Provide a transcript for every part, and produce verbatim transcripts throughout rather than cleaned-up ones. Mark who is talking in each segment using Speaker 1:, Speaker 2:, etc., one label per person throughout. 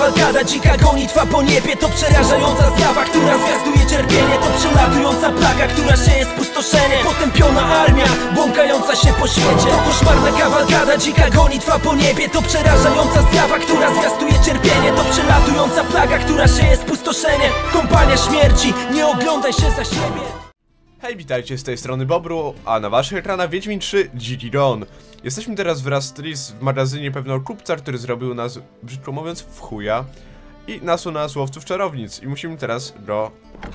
Speaker 1: kawalkada, dzika gonitwa po niebie. To przerażająca zjawa, która zwiastuje cierpienie. To przelatująca plaga, która sieje spustoszenie. Potępiona armia, błąkająca się po świecie. To koszmarna kawalkada, dzika gonitwa po niebie. To przerażająca zjawa, która zwiastuje cierpienie. To przelatująca plaga, która sieje spustoszenie. Kompania śmierci, nie oglądaj się za siebie.
Speaker 2: Hej, witajcie, z tej strony Bobru, a na waszych ekranach Wiedźmin trzy Dziki Gon. Jesteśmy teraz wraz z Tris w magazynie pewnego kupca, który zrobił nas, brzydko mówiąc, w chuja i nasłał nas łowców czarownic i musimy teraz go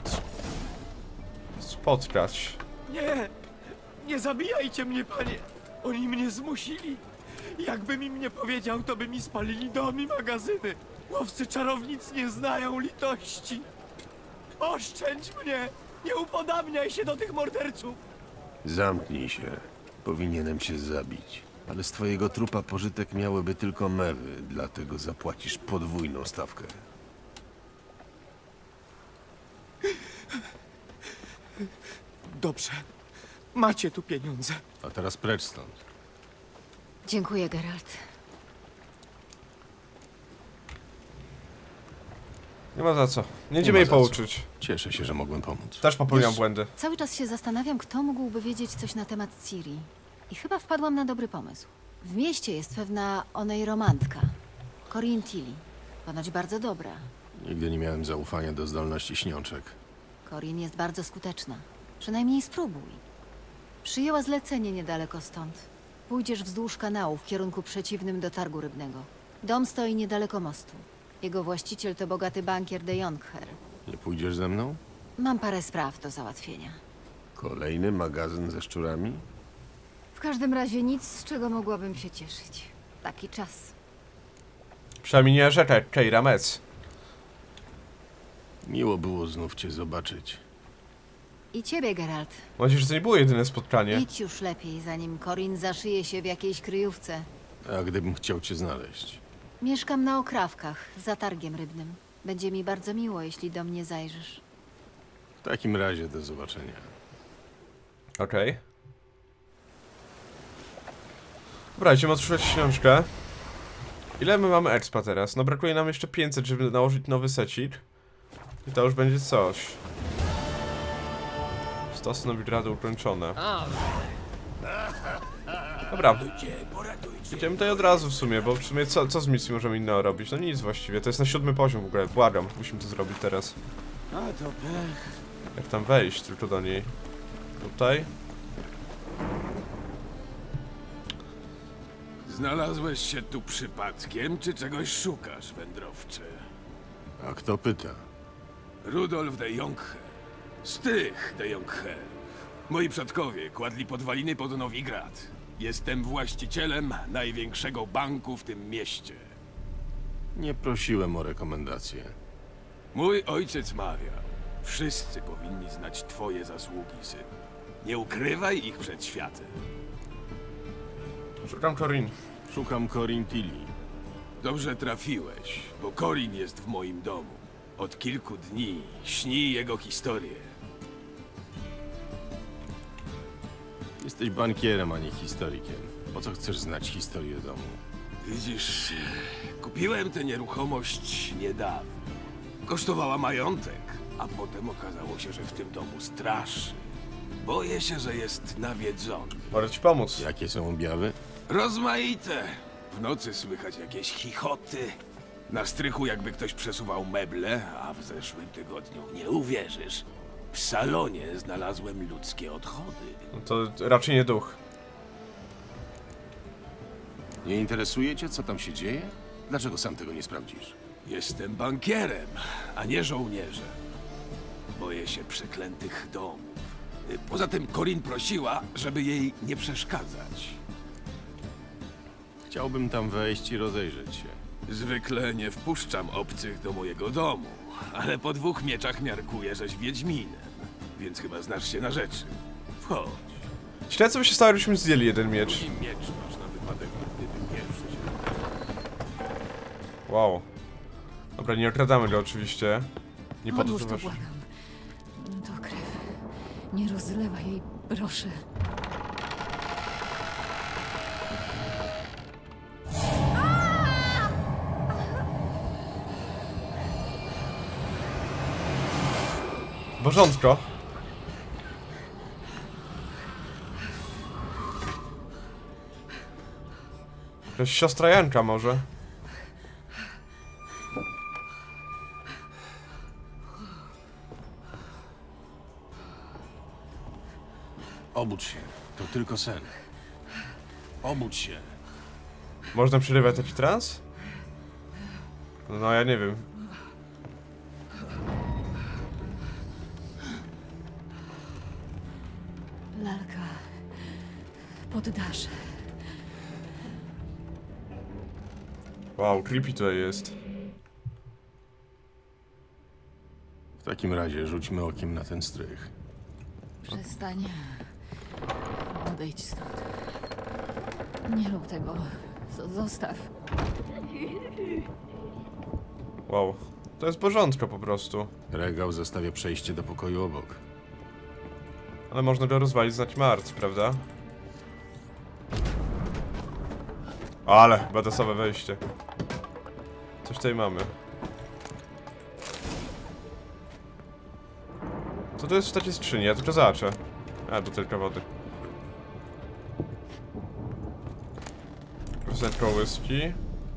Speaker 2: spotkać.
Speaker 3: Nie! Nie zabijajcie mnie, panie! Oni mnie zmusili! Jakbym im nie powiedział, to by mi spalili dom i magazyny! Łowcy czarownic nie znają litości! Oszczędź mnie! Nie upodabniaj się do tych morderców!
Speaker 4: Zamknij się. Powinienem cię zabić. Ale z twojego trupa pożytek miałyby tylko mewy, dlatego zapłacisz podwójną stawkę.
Speaker 3: Dobrze. Macie tu pieniądze.
Speaker 4: A teraz precz stąd.
Speaker 5: Dziękuję, Geralt.
Speaker 2: Nie ma za co. Nie idziemy jej pouczyć.
Speaker 4: Cieszę się, że mogłem pomóc.
Speaker 2: Też popełniam
Speaker 5: Wiesz,
Speaker 2: błędy.
Speaker 5: Cały czas się zastanawiam, kto mógłby wiedzieć coś na temat Ciri. I chyba wpadłam na dobry pomysł. W mieście jest pewna onej romantka. Corinne Tilly. Ponoć bardzo dobra.
Speaker 4: Nigdy nie miałem zaufania do zdolności śniączek.
Speaker 5: Corinne jest bardzo skuteczna. Przynajmniej spróbuj. Przyjęła zlecenie niedaleko stąd. Pójdziesz wzdłuż kanału w kierunku przeciwnym do targu rybnego. Dom stoi niedaleko mostu. Jego właściciel to bogaty bankier de Jonkher.
Speaker 4: Nie pójdziesz ze mną?
Speaker 5: Mam parę spraw do załatwienia.
Speaker 4: Kolejny magazyn ze szczurami?
Speaker 5: W każdym razie nic, z czego mogłabym się cieszyć. Taki czas.
Speaker 2: Przynajmniej nie rzeczę, Keira Metz.
Speaker 4: Miło było znów cię zobaczyć.
Speaker 5: I ciebie, Geralt.
Speaker 2: Mam nadzieję, że to nie było jedyne spotkanie.
Speaker 5: Idź już lepiej, zanim Corinne zaszyje się w jakiejś kryjówce.
Speaker 4: A gdybym chciał cię znaleźć?
Speaker 5: Mieszkam na Okrawkach, za targiem rybnym. Będzie mi bardzo miło, jeśli do mnie zajrzysz.
Speaker 4: W takim razie do zobaczenia.
Speaker 2: Okej. Okay. Dobra, idziemy otworzyć książkę. Ile my mamy expa teraz? No brakuje nam jeszcze pięćset, żeby nałożyć nowy secik. I to już będzie coś. Stosy nowigrady ukończone. Dobra. Idziemy tutaj od razu w sumie, bo w sumie co, co z misji możemy innego robić? No nic właściwie, to jest na siódmy poziom w ogóle, błagam, musimy to zrobić teraz.
Speaker 3: A to pech.
Speaker 2: Jak tam wejść tylko do niej? Tutaj?
Speaker 6: Znalazłeś się tu przypadkiem, czy czegoś szukasz, wędrowcze?
Speaker 4: A kto pyta?
Speaker 6: Rudolf de Jonkher. Z tych de Jonkherów. Moi przodkowie kładli podwaliny pod Nowigrad. Jestem właścicielem największego banku w tym mieście.
Speaker 4: Nie prosiłem o rekomendacje.
Speaker 6: Mój ojciec mawiał, wszyscy powinni znać twoje zasługi, synu. Nie ukrywaj ich przed światem.
Speaker 2: Szukam Corinne.
Speaker 4: Szukam Corinne Tilly.
Speaker 6: Dobrze trafiłeś, bo Corinne jest w moim domu. Od kilku dni śni jego historię.
Speaker 4: Jesteś bankierem, a nie historykiem. Po co chcesz znać historię domu?
Speaker 6: Widzisz, kupiłem tę nieruchomość niedawno. Kosztowała majątek, a potem okazało się, że w tym domu straszy. Boję się, że jest nawiedzony.
Speaker 2: Mogę ci pomóc.
Speaker 4: Jakie są objawy?
Speaker 6: Rozmaite. W nocy słychać jakieś chichoty. Na strychu jakby ktoś przesuwał meble, a w zeszłym tygodniu, nie uwierzysz, w salonie znalazłem ludzkie odchody.
Speaker 2: No to raczej nie duch.
Speaker 4: Nie interesuje cię, co tam się dzieje? Dlaczego sam tego nie sprawdzisz?
Speaker 6: Jestem bankierem, a nie żołnierzem. Boję się przeklętych domów. Poza tym Corinne prosiła, żeby jej nie przeszkadzać.
Speaker 4: Chciałbym tam wejść i rozejrzeć się.
Speaker 6: Zwykle nie wpuszczam obcych do mojego domu, ale po dwóch mieczach miarkuję, żeś wiedźminem, więc chyba znasz się na rzeczy. Wchodź.
Speaker 2: Źle co by się stało, gdybyśmy zdjęli jeden miecz.
Speaker 6: Drugi miecz masz na wypadek, gdyby pierwszy się...
Speaker 2: Wow. Dobra, nie okradamy go oczywiście. Nie
Speaker 5: Odłóż to,
Speaker 2: podróżujesz.
Speaker 5: błagam. To krew. Nie rozlewaj jej, proszę.
Speaker 2: Bożątko. Jakaś siostra Janka może.
Speaker 4: Obudź się. To tylko sen. Obudź się.
Speaker 2: Można przerywać taki trans? No ja nie wiem.
Speaker 5: Lalka. Poddasz.
Speaker 2: Wow, creepy to jest.
Speaker 4: W takim razie rzućmy okiem na ten strych.
Speaker 5: Przestań. Odejdź stąd. Nie rób tego. Z- Zostaw.
Speaker 2: Wow. To jest bożątko po prostu.
Speaker 4: Regał zostawia przejście do pokoju obok.
Speaker 2: Ale można go rozwalić z naćmarc, prawda? Ale, badasowe wejście. Coś tutaj mamy. Co to jest w takiej skrzyni? Ja tylko zobaczę. A, butelka wody. Rozleć kołyski.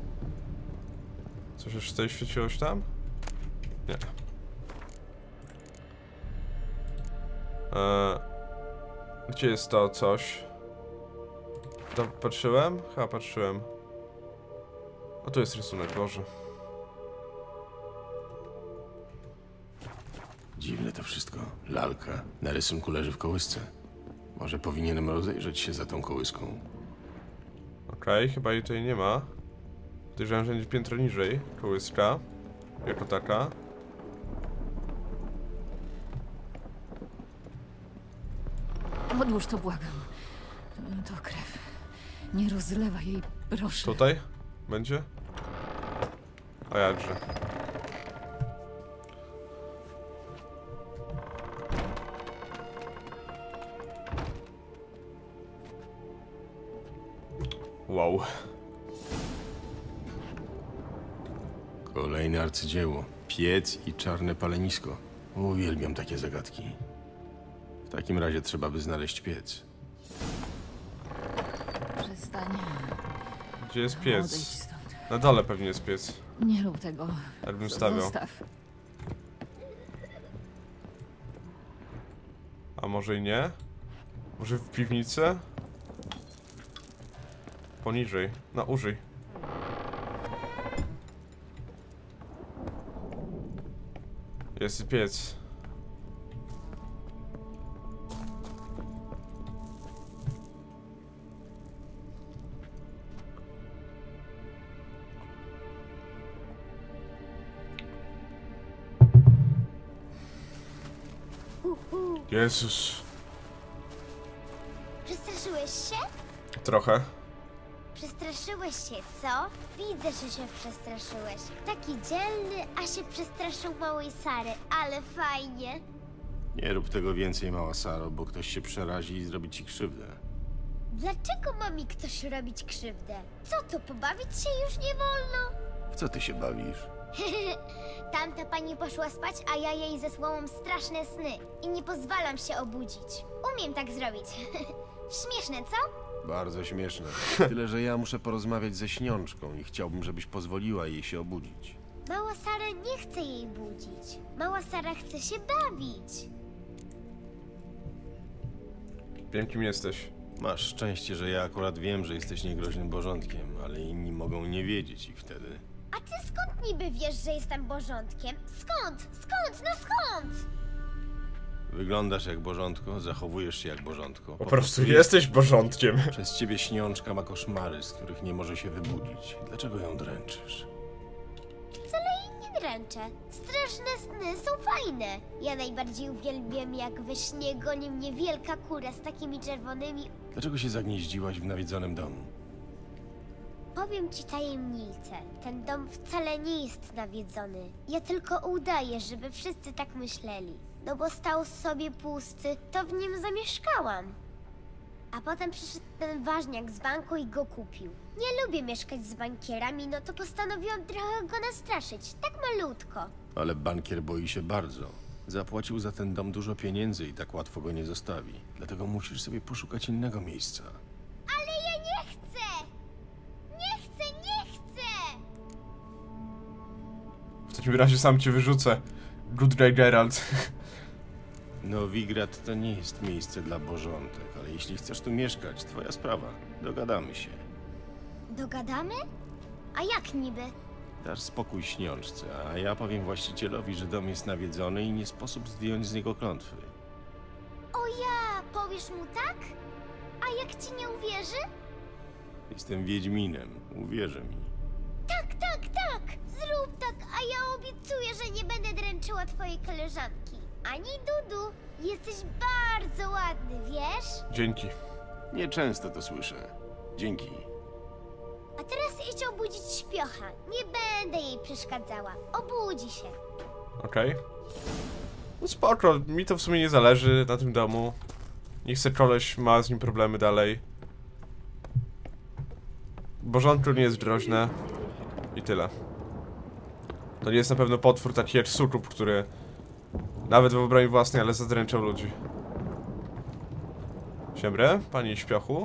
Speaker 2: Coś jeszcze tutaj świeciło się tam? Nie. Eee, gdzie jest to coś? To patrzyłem? Chyba patrzyłem. A tu jest rysunek, Boże.
Speaker 4: Dziwne to wszystko. Lalka na rysunku leży w kołysce. Może powinienem rozejrzeć się za tą kołyską.
Speaker 2: Okej, okay, chyba jej tutaj nie ma. Podejrzewam, że będzie piętro niżej. Kołyska. Jako taka.
Speaker 5: Odłóż to, błagam. To krew. Nie rozlewaj jej, proszę.
Speaker 2: Tutaj? Będzie? A jakże. Wow.
Speaker 4: Kolejne arcydzieło. Piec i czarne palenisko. Uwielbiam takie zagadki. W takim razie trzeba by znaleźć piec.
Speaker 5: Przestań.
Speaker 2: Gdzie jest
Speaker 5: Odejdź
Speaker 2: piec?
Speaker 5: stąd.
Speaker 2: Na dole pewnie jest piec.
Speaker 5: Nie rób tego.
Speaker 2: Jak bym
Speaker 5: Z-
Speaker 2: stawiał.
Speaker 5: Zostaw.
Speaker 2: A może i nie? Może w piwnicy? Poniżej. No, użyj. Jest piec. Jezus.
Speaker 7: Przestraszyłeś się?
Speaker 2: Trochę.
Speaker 7: Przestraszyłeś się, co? Widzę, że się przestraszyłeś. Taki dzielny, a się przestraszył małej Sary, ale fajnie.
Speaker 4: Nie rób tego więcej, mała Saro, bo ktoś się przerazi i zrobi ci krzywdę.
Speaker 7: Dlaczego ma mi ktoś robić krzywdę? Co to, pobawić się już nie wolno?
Speaker 4: W co ty się bawisz?
Speaker 7: Tamta pani poszła spać, a ja jej zesłałam straszne sny i nie pozwalam się obudzić. Umiem tak zrobić. Śmieszne, co?
Speaker 4: Bardzo śmieszne. Tyle, że ja muszę porozmawiać ze śniączką i chciałbym, żebyś pozwoliła jej się obudzić.
Speaker 7: Mała Sara nie chce jej budzić. Mała Sara chce się bawić.
Speaker 2: Wiem, kim jesteś.
Speaker 4: Masz szczęście, że ja akurat wiem, że jesteś niegroźnym bożątkiem, ale inni mogą nie wiedzieć i wtedy...
Speaker 7: A ty skąd niby wiesz, że jestem bożątkiem? Skąd? Skąd? No skąd?
Speaker 4: Wyglądasz jak bożątko, zachowujesz się jak bożątko.
Speaker 2: Po prostu jesteś bożątkiem.
Speaker 4: Przez ciebie śniączka ma koszmary, z których nie może się wybudzić. Dlaczego ją dręczysz?
Speaker 7: Wcale jej nie dręczę. Straszne sny są fajne. Ja najbardziej uwielbiam, jak we śnie goni mnie wielka kura z takimi czerwonymi...
Speaker 4: Dlaczego się zagnieździłaś w nawiedzonym domu?
Speaker 7: Powiem ci tajemnicę. Ten dom wcale nie jest nawiedzony. Ja tylko udaję, żeby wszyscy tak myśleli. No bo stał sobie pusty, to w nim zamieszkałam. A potem przyszedł ten ważniak z banku i go kupił. Nie lubię mieszkać z bankierami, no to postanowiłam trochę go nastraszyć. Tak malutko.
Speaker 4: Ale bankier boi się bardzo. Zapłacił za ten dom dużo pieniędzy i tak łatwo go nie zostawi. Dlatego musisz sobie poszukać innego miejsca.
Speaker 7: Ale ja nie chcę! Nie chcę, nie chcę!
Speaker 2: W takim razie sam cię wyrzucę. Goodray Geralt.
Speaker 4: Nowigrad to nie jest miejsce dla bożątek, ale jeśli chcesz tu mieszkać, twoja sprawa. Dogadamy się.
Speaker 7: Dogadamy? A jak niby?
Speaker 4: Dasz spokój śniączce, a ja powiem właścicielowi, że dom jest nawiedzony i nie sposób zdjąć z niego klątwy.
Speaker 7: O ja, powiesz mu tak? A jak ci nie uwierzy?
Speaker 4: Jestem Wiedźminem, uwierzy mi.
Speaker 7: Tak, tak, tak! Zrób tak, a ja obiecuję, że nie będę dręczyła twojej koleżanki. Ani Dudu. Jesteś bardzo ładny, wiesz?
Speaker 2: Dzięki.
Speaker 4: Nieczęsto to słyszę. Dzięki.
Speaker 7: A teraz idź obudzić śpiocha. Nie będę jej przeszkadzała. Obudzi się.
Speaker 2: Okej. Okay. No spoko, mi to w sumie nie zależy na tym domu. Nie chcę, koleś ma z nim problemy dalej. Bożątko nie jest groźne. I tyle. To nie jest na pewno potwór taki jak Sukub, który nawet w obronie własnej, ale zadręczał ludzi. Siembre, pani śpiochu.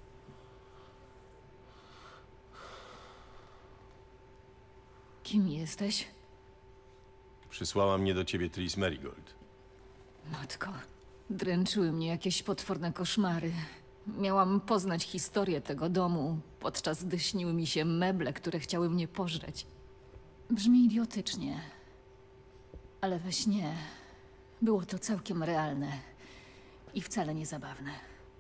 Speaker 5: Kim jesteś?
Speaker 4: Przysłała mnie do ciebie Triss Merigold.
Speaker 5: Matko, dręczyły mnie jakieś potworne koszmary. Miałam poznać historię tego domu, podczas gdy śniły mi się meble, które chciały mnie pożreć. Brzmi idiotycznie, ale we śnie było to całkiem realne i wcale nie zabawne.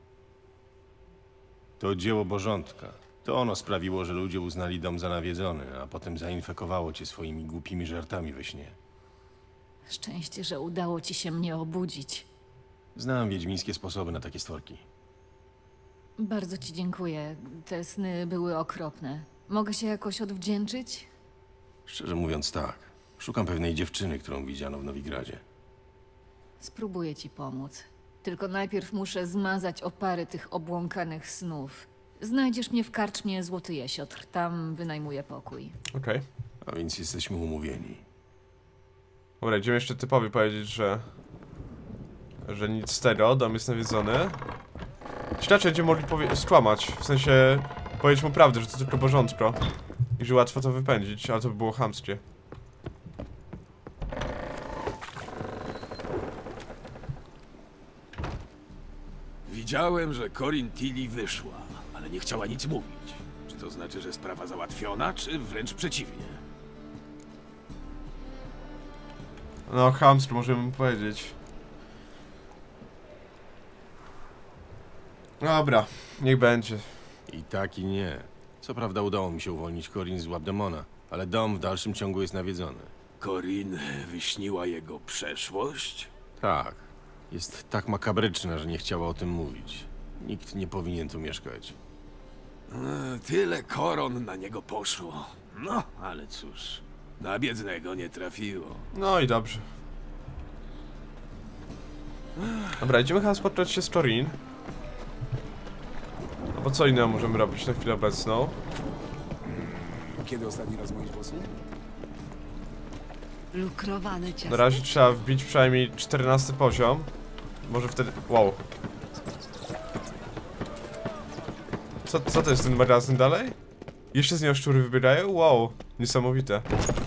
Speaker 4: To dzieło Bożątka. To ono sprawiło, że ludzie uznali dom za nawiedzony, a potem zainfekowało cię swoimi głupimi żartami we śnie.
Speaker 5: Szczęście, że udało ci się mnie obudzić.
Speaker 4: Znam wiedźmińskie sposoby na takie stworki.
Speaker 5: Bardzo ci dziękuję. Te sny były okropne. Mogę się jakoś odwdzięczyć?
Speaker 4: Szczerze mówiąc tak. Szukam pewnej dziewczyny, którą widziano w Nowigradzie.
Speaker 5: Spróbuję ci pomóc. Tylko najpierw muszę zmazać opary tych obłąkanych snów. Znajdziesz mnie w karczmie Złoty Jesiotr. Tam wynajmuję pokój.
Speaker 2: Okej. Okay.
Speaker 4: A więc jesteśmy umówieni.
Speaker 2: Dobra, idziemy jeszcze typowi powiedzieć, że... że nic z tego, dom jest nawiedzony. Ci raczej będziemy mogli powie skłamać, w sensie... powiedzieć mu prawdę, że to tylko Bożątko. I że łatwo to wypędzić, ale to by było chamskie.
Speaker 6: Widziałem, że Corin Tilly wyszła, ale nie chciała nic mówić. Czy to znaczy, że sprawa załatwiona, czy wręcz przeciwnie?
Speaker 2: No, chamsko możemy mu powiedzieć. Dobra, niech będzie.
Speaker 4: I tak i nie. Co prawda udało mi się uwolnić Corin z łap demona, ale dom w dalszym ciągu jest nawiedzony.
Speaker 6: Corin wyśniła jego przeszłość?
Speaker 4: Tak. Jest tak makabryczna, że nie chciała o tym mówić. Nikt nie powinien tu mieszkać.
Speaker 6: E, tyle koron na niego poszło. No, ale cóż, na biednego nie trafiło.
Speaker 2: No i dobrze. Dobra, idziemy chyba spotkać się z Corin. No bo co innego możemy robić na chwilę obecną?
Speaker 8: Kiedy ostatni raz myłeś włosy?
Speaker 9: Lukrowane ciasto.
Speaker 2: Na razie trzeba wbić przynajmniej czternasty poziom. Może wtedy... Wow. Co, co to jest ten magazyn dalej? Jeszcze z niego szczury wybiegają? Wow. Niesamowite.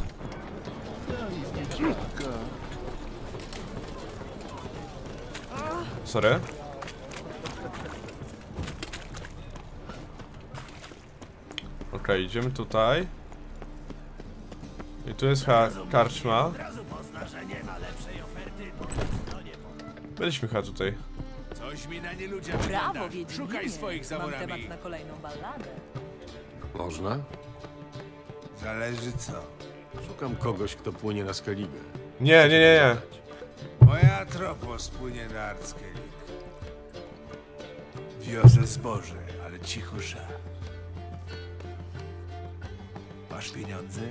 Speaker 2: Sorry. Okej, okay, idziemy tutaj. I tu jest ha karczma. Byliśmy chyba tutaj.
Speaker 6: Coś mi na nie ludzie
Speaker 9: Brawo, Wiedźminie.
Speaker 6: Szukaj swoich za
Speaker 9: Mam
Speaker 6: murami.
Speaker 9: temat na kolejną balladę.
Speaker 4: Można?
Speaker 3: Zależy co.
Speaker 4: Szukam kogoś, kto płynie na Skellige.
Speaker 2: Nie, nie, nie, nie.
Speaker 3: Moja tropos płynie na Arckelik. Wiozę zboże, ale cicho ża. Masz pieniądze?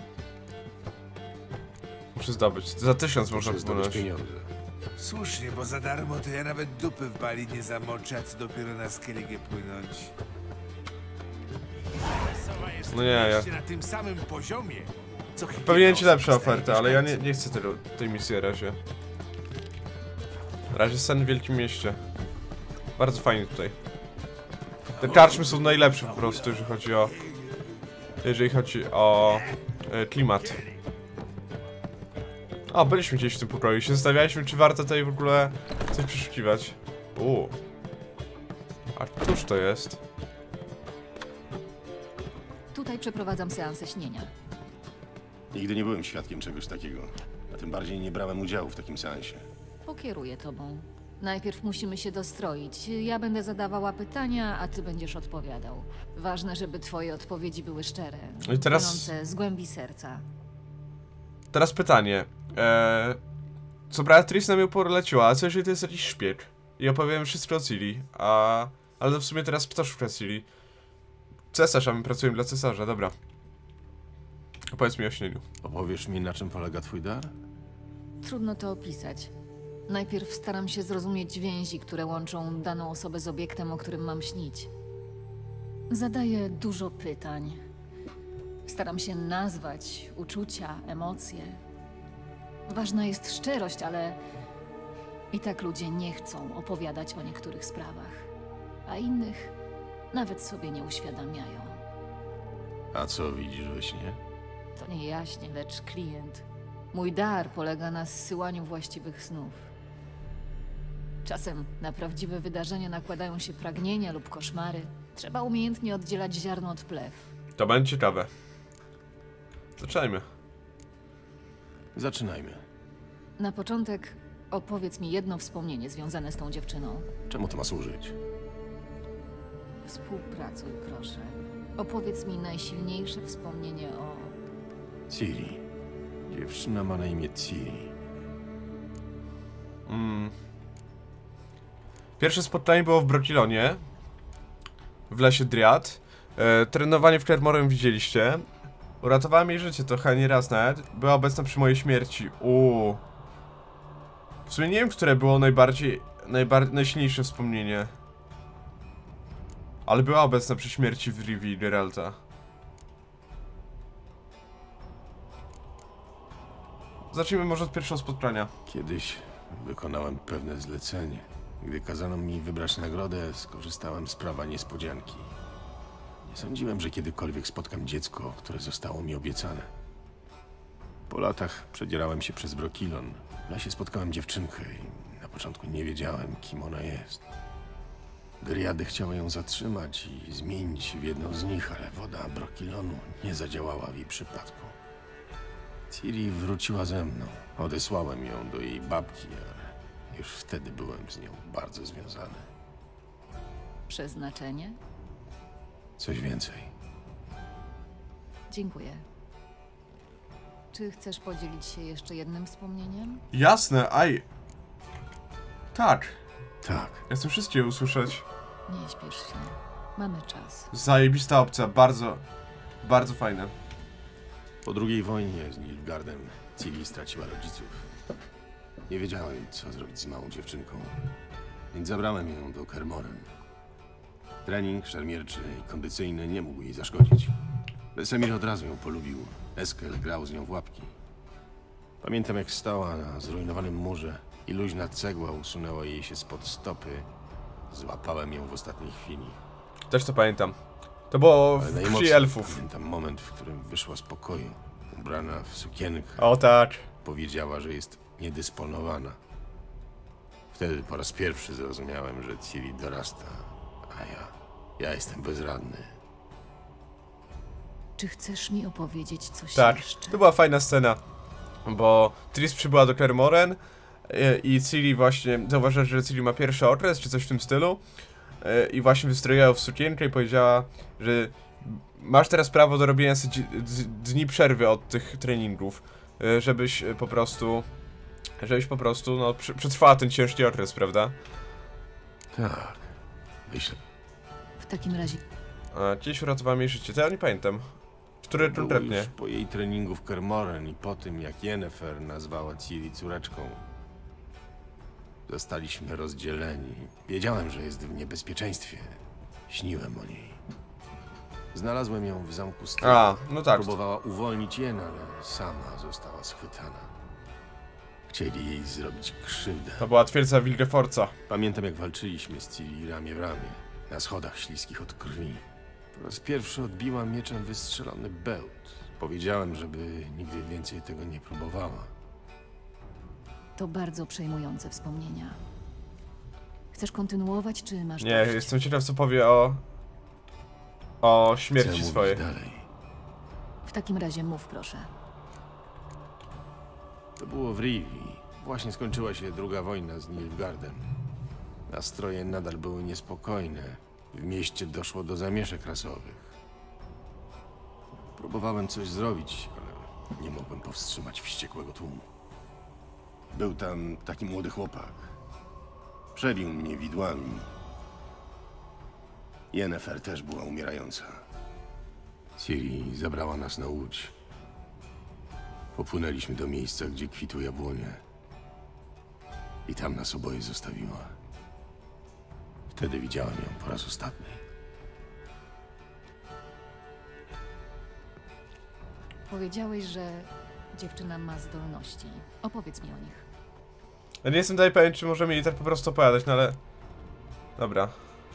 Speaker 2: Muszę zdobyć. Za tysiąc można
Speaker 4: Muszę zdobyć
Speaker 2: wpłynąć.
Speaker 4: pieniądze.
Speaker 3: Słusznie, bo za darmo to ja nawet dupy w bali nie zamoczę, a co dopiero na Skellige płynąć.
Speaker 2: No nie, ja...
Speaker 3: Na tym samym poziomie, co
Speaker 2: Pewnie ci lepsze oferty, ale ja nie, nie chcę tego, tej misji na razie. Na razie sen w Wielkim Mieście. Bardzo fajnie tutaj. Te karczmy są najlepsze po prostu, jeżeli chodzi o... Jeżeli chodzi o... E, klimat. O, byliśmy gdzieś w tym pokoju i się zastanawialiśmy, czy warto tutaj w ogóle coś przeszukiwać. Uuu. A cóż to jest?
Speaker 5: Tutaj przeprowadzam seansę śnienia.
Speaker 4: Nigdy nie byłem świadkiem czegoś takiego. A tym bardziej nie brałem udziału w takim seansie.
Speaker 5: Pokieruję tobą. Najpierw musimy się dostroić. Ja będę zadawała pytania, a ty będziesz odpowiadał. Ważne, żeby twoje odpowiedzi były szczere.
Speaker 2: No i teraz-
Speaker 5: Płynące z głębi serca.
Speaker 2: Teraz pytanie. Eee, co Beatrice nam ją poleciła, a co jeżeli to jest jakiś szpieg? I opowiem wszystko o Ciri, a... Ale w sumie teraz kto szuka Ciri? Cesarz, a my pracujemy dla cesarza, dobra. Opowiedz mi o śnieniu.
Speaker 4: Opowiesz mi, na czym polega twój dar?
Speaker 5: Trudno to opisać. Najpierw staram się zrozumieć więzi, które łączą daną osobę z obiektem, o którym mam śnić. Zadaję dużo pytań. Staram się nazwać uczucia, emocje. Ważna jest szczerość, ale i tak ludzie nie chcą opowiadać o niektórych sprawach, a innych nawet sobie nie uświadamiają.
Speaker 4: A co widzisz we śnie?
Speaker 5: To nie jaśnie, lecz klient. Mój dar polega na zsyłaniu właściwych snów. Czasem na prawdziwe wydarzenia nakładają się pragnienia lub koszmary. Trzeba umiejętnie oddzielać ziarno od plew.
Speaker 2: To będzie ciekawe. Zaczynajmy.
Speaker 4: Zaczynajmy.
Speaker 5: Na początek opowiedz mi jedno wspomnienie związane z tą dziewczyną.
Speaker 4: Czemu to ma służyć?
Speaker 5: Współpracuj, proszę. Opowiedz mi najsilniejsze wspomnienie o...
Speaker 4: Ciri. Dziewczyna ma na imię Ciri.
Speaker 2: Mm. Pierwsze spotkanie było w Brokilonie. W lesie Driad. E, trenowanie w Kermorem widzieliście. Uratowała mi życie trochę, nie raz nawet. Była obecna przy mojej śmierci. Uuu. W sumie nie wiem, które było najbardziej, najbardziej najsilniejsze wspomnienie. Ale była obecna przy śmierci w Rivii Geralta. Zacznijmy może od pierwszego spotkania.
Speaker 4: Kiedyś wykonałem pewne zlecenie. Gdy kazano mi wybrać nagrodę, skorzystałem z prawa niespodzianki. Nie sądziłem, że kiedykolwiek spotkam dziecko, które zostało mi obiecane. Po latach przedzierałem się przez Brokilon. W lesie spotkałem dziewczynkę i na początku nie wiedziałem, kim ona jest. Dryady chciały ją zatrzymać i zmienić w jedną z nich, ale woda Brokilonu nie zadziałała w jej przypadku. Ciri wróciła ze mną. Odesłałem ją do jej babki, ale już wtedy byłem z nią bardzo związany.
Speaker 5: Przeznaczenie?
Speaker 4: Coś więcej.
Speaker 5: Dziękuję. Czy chcesz podzielić się jeszcze jednym wspomnieniem?
Speaker 2: Jasne, aj. Tak.
Speaker 4: Tak.
Speaker 2: Ja chcę wszystkie usłyszeć.
Speaker 5: Nie śpiesz się. Mamy czas.
Speaker 2: Zajebista opcja, bardzo, bardzo fajne.
Speaker 4: Po drugiej wojnie z Nilfgaardem Ciri straciła rodziców. Nie wiedziałem, co zrobić z małą dziewczynką, więc zabrałem ją do Kermoren. Trening szermierczy i kondycyjny nie mógł jej zaszkodzić. Wesemir od razu ją polubił. Eskel grał z nią w łapki. Pamiętam, jak stała na zrujnowanym murze i luźna cegła usunęła jej się spod stopy. Złapałem ją w ostatniej chwili.
Speaker 2: Też to pamiętam. To było
Speaker 4: Ale
Speaker 2: w
Speaker 4: najmocniej
Speaker 2: krwi elfów.
Speaker 4: pamiętam moment, w którym wyszła z pokoju. Ubrana w sukienkę.
Speaker 2: O tak.
Speaker 4: Powiedziała, że jest niedysponowana. Wtedy po raz pierwszy zrozumiałem, że Ciri dorasta, a ja, ja jestem bezradny.
Speaker 5: Czy chcesz mi opowiedzieć coś
Speaker 2: Tak,
Speaker 5: jeszcze?
Speaker 2: to była fajna scena. Bo Triss przybyła do Kermoren i, i Ciri właśnie zauważyła, że Ciri ma pierwszy okres, czy coś w tym stylu. I właśnie wystroiła ją w sukienkę i powiedziała, że masz teraz prawo do robienia sobie dni przerwy od tych treningów, żebyś po prostu, żebyś po prostu, no, przetrwała ten ciężki okres, prawda?
Speaker 4: Tak, myślę.
Speaker 5: W takim razie...
Speaker 2: A, kiedyś uratowała mi życie, to ja nie pamiętam. Który
Speaker 4: Było
Speaker 2: konkretnie?
Speaker 4: już po jej treningu w Kermoren i po tym, jak Yennefer nazwała Ciri córeczką. Zostaliśmy rozdzieleni. Wiedziałem, że jest w niebezpieczeństwie. Śniłem o niej. Znalazłem ją w zamku Styr.
Speaker 2: A, no tak.
Speaker 4: Próbowała uwolnić Jen, ale sama została schwytana. Chcieli jej zrobić krzywdę.
Speaker 2: To była twierdza Wilgefortza.
Speaker 4: Pamiętam, jak walczyliśmy z Ciri ramię w ramię, na schodach śliskich od krwi. Po raz pierwszy odbiła mieczem wystrzelony bełt. Powiedziałem, żeby nigdy więcej tego nie próbowała.
Speaker 5: To bardzo przejmujące wspomnienia. Chcesz kontynuować, czy masz
Speaker 2: Nie,
Speaker 5: dość?
Speaker 2: jestem ciekaw, co powie o... o śmierci
Speaker 4: Chcę
Speaker 2: swojej.
Speaker 4: mówić dalej.
Speaker 5: W takim razie mów, proszę.
Speaker 4: To było w Rivii. Właśnie skończyła się druga wojna z Nilfgaardem. Nastroje nadal były niespokojne. W mieście doszło do zamieszek rasowych. Próbowałem coś zrobić, ale nie mogłem powstrzymać wściekłego tłumu. Był tam taki młody chłopak. Przebił mnie widłami. Yennefer też była umierająca. Ciri zabrała nas na łódź. Popłynęliśmy do miejsca, gdzie kwitły jabłonie. I tam nas oboje zostawiła. Wtedy widziałem ją po raz ostatni.
Speaker 5: Powiedziałeś, że dziewczyna ma zdolności. Opowiedz mi o nich.
Speaker 2: Ja nie jestem dalej pewien, czy możemy jej tak po prostu opowiadać, no ale... Dobra.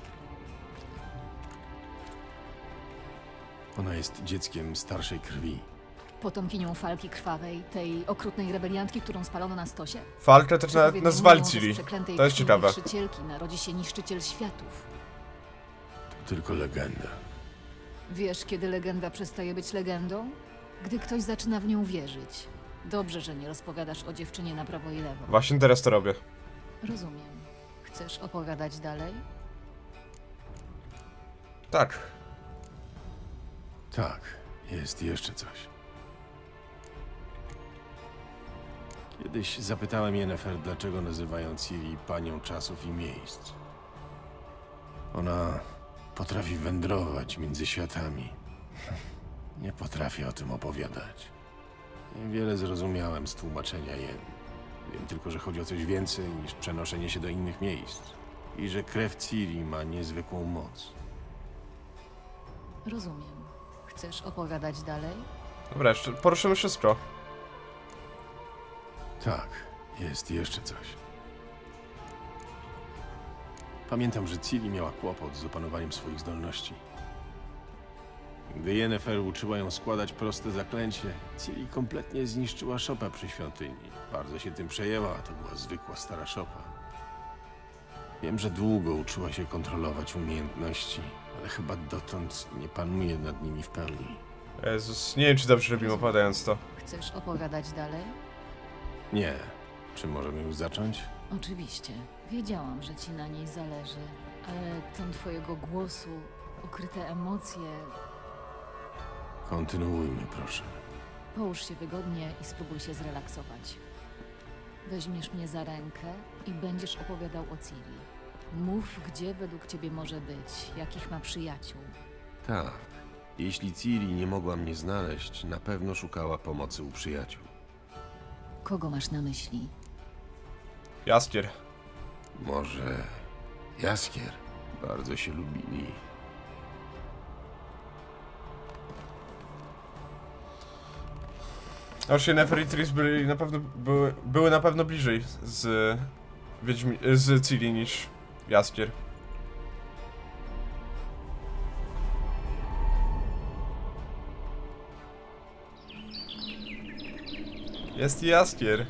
Speaker 4: Ona jest dzieckiem starszej krwi.
Speaker 5: Potomkinią Falki Krwawej, tej okrutnej rebeliantki, którą spalono na stosie?
Speaker 2: Falkę też na,
Speaker 5: Przepowiednią
Speaker 2: nazwali
Speaker 5: mówią, że z
Speaker 2: Ciri.
Speaker 5: przeklętej
Speaker 2: To jest
Speaker 5: krwi
Speaker 2: ciekawe.
Speaker 5: niszczycielki narodzi się niszczyciel światów.
Speaker 4: To tylko legenda.
Speaker 5: Wiesz, kiedy legenda przestaje być legendą? Gdy ktoś zaczyna w nią wierzyć. Dobrze, że nie rozpowiadasz o dziewczynie na prawo i lewo.
Speaker 2: Właśnie teraz to robię.
Speaker 5: Rozumiem. Chcesz opowiadać dalej?
Speaker 2: Tak.
Speaker 4: Tak, jest jeszcze coś. Kiedyś zapytałem Yennefer, dlaczego nazywają Ciri panią czasów i miejsc. Ona potrafi wędrować między światami. Nie potrafię o tym opowiadać. Niewiele zrozumiałem z tłumaczenia Yen. Wiem tylko, że chodzi o coś więcej niż przenoszenie się do innych miejsc. I że krew Ciri ma niezwykłą moc.
Speaker 5: Rozumiem. Chcesz opowiadać dalej?
Speaker 2: Dobra, jeszcze poruszymy wszystko.
Speaker 4: Tak, jest jeszcze coś. Pamiętam, że Ciri miała kłopot z opanowaniem swoich zdolności. Gdy Yennefer uczyła ją składać proste zaklęcie, Ciri kompletnie zniszczyła szopę przy świątyni. Bardzo się tym przejęła, to była zwykła stara szopa. Wiem, że długo uczyła się kontrolować umiejętności, ale chyba dotąd nie panuje nad nimi w pełni.
Speaker 2: Jezus, nie wiem, czy dobrze robimy opowiadając to.
Speaker 5: Chcesz opowiadać dalej?
Speaker 4: Nie. Czy możemy już zacząć?
Speaker 5: Oczywiście. Wiedziałam, że ci na niej zależy, ale ton twojego głosu, ukryte emocje...
Speaker 4: Kontynuujmy, proszę.
Speaker 5: Połóż się wygodnie i spróbuj się zrelaksować. Weźmiesz mnie za rękę i będziesz opowiadał o Ciri. Mów, gdzie według ciebie może być, jakich ma przyjaciół.
Speaker 4: Tak. Jeśli Ciri nie mogła mnie znaleźć, na pewno szukała pomocy u przyjaciół.
Speaker 5: Kogo masz na myśli?
Speaker 2: Jaskier.
Speaker 4: Może Jaskier? Bardzo się lubili.
Speaker 2: Aż Yennefer i Triss byli na pewno, były, były na pewno bliżej z Wiedźmi, z Ciri niż Jaskier. Jest Jaskier.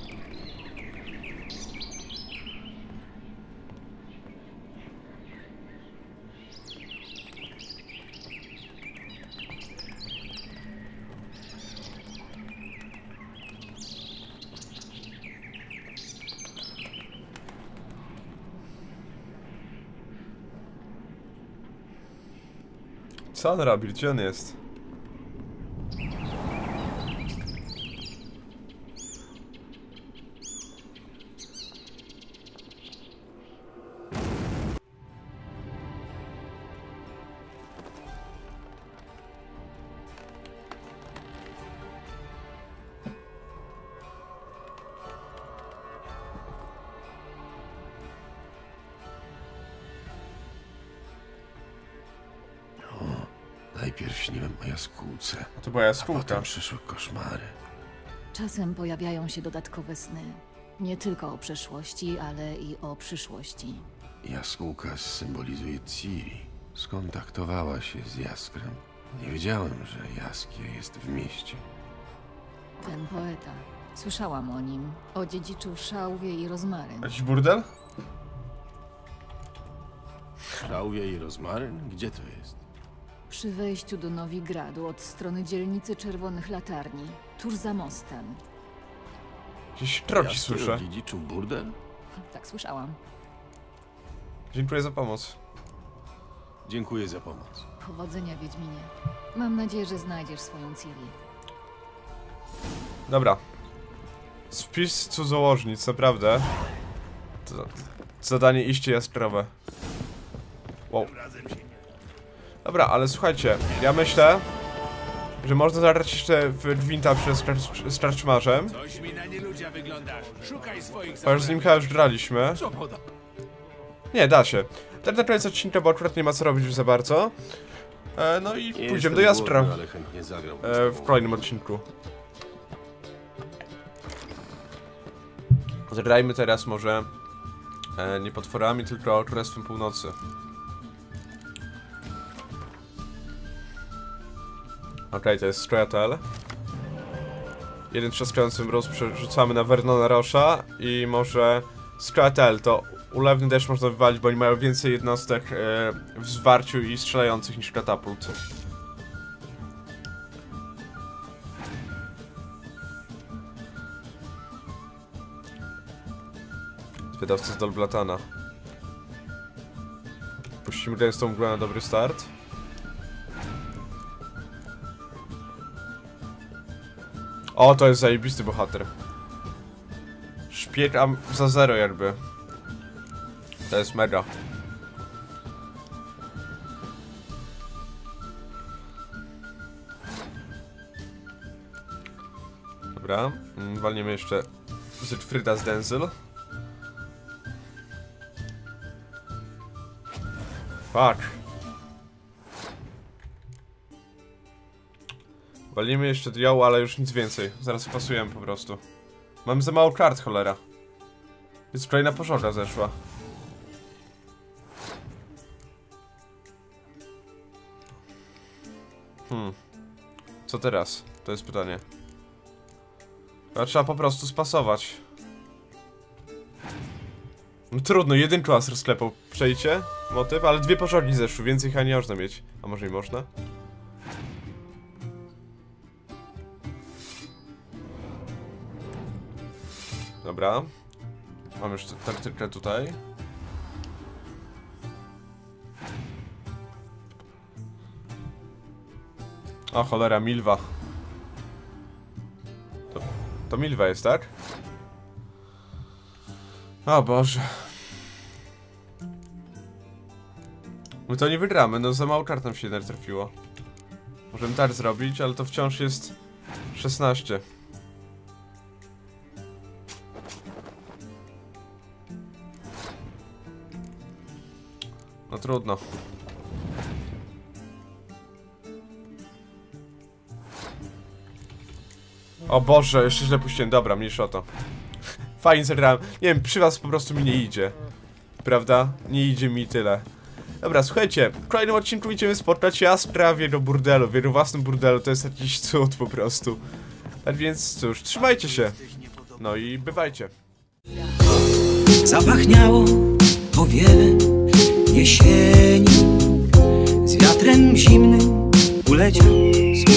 Speaker 2: Co on robi? Gdzie on jest?
Speaker 4: Najpierw śniłem o jaskółce,
Speaker 2: To była
Speaker 4: a
Speaker 2: jaskółka.
Speaker 4: potem przyszły koszmary.
Speaker 5: Czasem pojawiają się dodatkowe sny. Nie tylko o przeszłości, ale i o przyszłości.
Speaker 4: Jaskółka symbolizuje Ciri. Skontaktowała się z Jaskrem. Nie wiedziałem, że Jaskier jest w mieście.
Speaker 5: Ten poeta. Słyszałam o nim. Odziedziczył szałwię i rozmaryn.
Speaker 2: Jakiś burdel?
Speaker 4: Szałwia i rozmaryn? Gdzie to jest?
Speaker 5: Przy wejściu do Nowigradu od strony dzielnicy Czerwonych Latarni. Tuż za mostem.
Speaker 2: Jakieś troci
Speaker 4: Jaskier
Speaker 2: słyszę.
Speaker 4: odziedziczył burdel?
Speaker 5: Tak słyszałam.
Speaker 2: Dziękuję za pomoc.
Speaker 4: Dziękuję za pomoc.
Speaker 5: Powodzenia, Wiedźminie. Mam nadzieję, że znajdziesz swoją Ciri.
Speaker 2: Dobra. Spis cudzołożnic, naprawdę. To, to zadanie iście jaskrawe. Wow. Dobra, ale słuchajcie, ja myślę, że można zagrać jeszcze w Gwinta przez z Karczmarzem.
Speaker 6: Coś mi na nieludzia wyglądasz. Szukaj swoich
Speaker 2: Chociaż z nim chyba już graliśmy.
Speaker 6: Co poda?
Speaker 2: Nie, da się. Teraz na koniec odcinka, bo akurat nie ma co robić już za bardzo. E, no i
Speaker 4: Nie
Speaker 2: pójdziemy do
Speaker 4: jestem
Speaker 2: Jaskra.
Speaker 4: głodny, ale chętnie zagram
Speaker 2: E, w kolejnym odcinku. Zagrajmy teraz może e, nie potworami, tylko Królestwem Północy. Okej, okay, to jest Strojatel. Jeden trzaskający mróz przerzucamy na Vernona Rosha i może Strojatel to ulewny deszcz można wywalić, bo oni mają więcej jednostek e, w zwarciu i strzelających niż katapult. Wydawca z Dolblatana. Puścimy gęstą mgłę na dobry start. O, to jest zajebisty bohater. Szpieg am za zero jakby. To jest mega. Dobra, walniemy jeszcze Zygfryda z Denzyl. Fuck. Walimy jeszcze Diał, ale już nic więcej. Zaraz pasujemy po prostu. Mam za mało kart, cholera. Jest kolejna pożoga zeszła. Hmm. Co teraz? To jest pytanie. Chyba trzeba po prostu spasować. No trudno, jeden klas rozklepał. Przejdzie motyw, ale dwie pożogi zeszły, więcej chyba nie można mieć. A może i można? Dobra. Mam już taktykę tutaj. O cholera, Milwa. To, to Milwa jest, tak? O Boże. My to nie wygramy, no za mało kart nam się jednak trafiło. Możemy tak zrobić, ale to wciąż jest szesnaście. No trudno. O Boże, jeszcze źle puściłem. Dobra, mniejsza o to. Fajnie zagrałem. Nie wiem, przy was po prostu mi nie idzie. Prawda? Nie idzie mi tyle. Dobra, słuchajcie, w kolejnym odcinku idziemy spotkać Jaskra w jego burdelu, w jego własnym burdelu. To jest jakiś cud po prostu. Tak więc cóż, trzymajcie się. No i bywajcie.
Speaker 10: Zapachniało powiewem jesieni, z wiatrem zimnym uleciał.